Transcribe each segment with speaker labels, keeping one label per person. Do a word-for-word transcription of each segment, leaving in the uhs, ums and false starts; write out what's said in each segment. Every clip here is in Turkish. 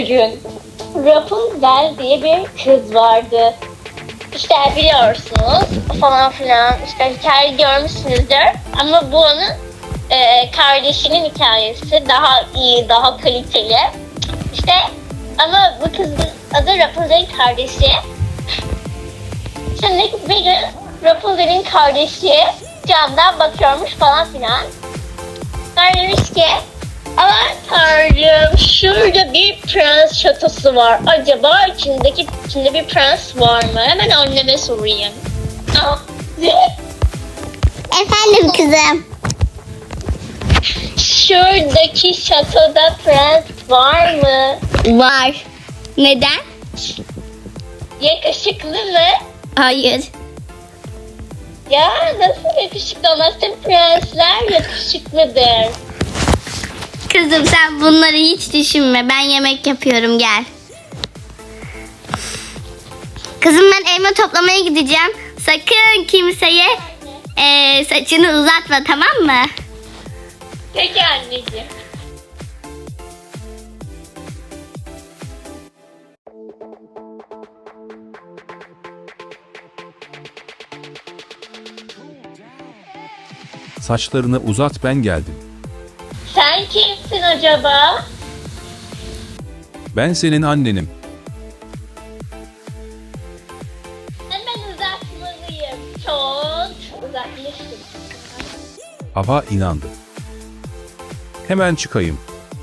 Speaker 1: Gün Rapunzel diye bir kız vardı. İşte biliyorsunuz falan filan işte hikaye görmüşsünüzdür ama bu onun e, kardeşinin hikayesi daha iyi, daha kaliteli. İşte ama bu kızın adı Rapunzel'in kardeşi. Şimdi bir gün Rapunzel'in kardeşi camdan bakıyormuş falan filan. Sonra demiş ki aman tanrım şurada bir prens şatosu var. Acaba içindeki içinde bir prens var mı? Hemen anneme sorayım. Ah,
Speaker 2: Efendim kızım.
Speaker 1: şuradaki şatoda prens var mı?
Speaker 2: Var. Neden?
Speaker 1: Yakışıklı mı?
Speaker 2: Hayır.
Speaker 1: Ya nasıl yakışıklı olmaz? Tüm prensler yakışıklıdır.
Speaker 2: Kızım sen bunları hiç düşünme. Ben yemek yapıyorum, gel. Kızım ben elma toplamaya gideceğim. Sakın kimseye eee, saçını uzatma, tamam mı?
Speaker 1: Peki anneciğim.
Speaker 3: Saçlarını uzat, ben geldim.
Speaker 1: Sen kimsin acaba?
Speaker 3: Ben senin annenim.
Speaker 1: Hemen uzatmalıyım. Çok uzatmıştım.
Speaker 3: Hava inandı. Hemen çıkayım.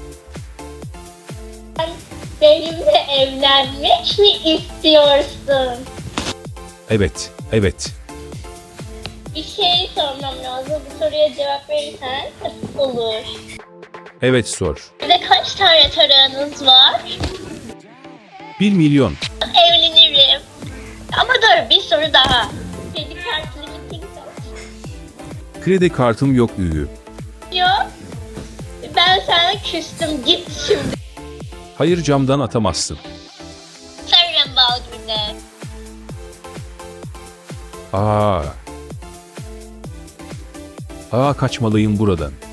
Speaker 1: Sen benimle evlenmek mi istiyorsun?
Speaker 3: Evet, evet.
Speaker 1: Bir şey sormam lazım. Bu soruya cevap verirsen tabii olur.
Speaker 3: Evet, sor.
Speaker 1: Size kaç tane tarağınız var?
Speaker 3: Bir milyon.
Speaker 1: Evlenirim. Ama dur bir soru daha. Kredi kartı limitin kaç?
Speaker 3: Kredi kartım yok üyü.
Speaker 1: Yok. Ben sana küstüm. Git şimdi.
Speaker 3: Hayır, camdan atamazsın.
Speaker 1: Sarım bal gibi.
Speaker 3: Aa. Aa, kaçmalıyım buradan.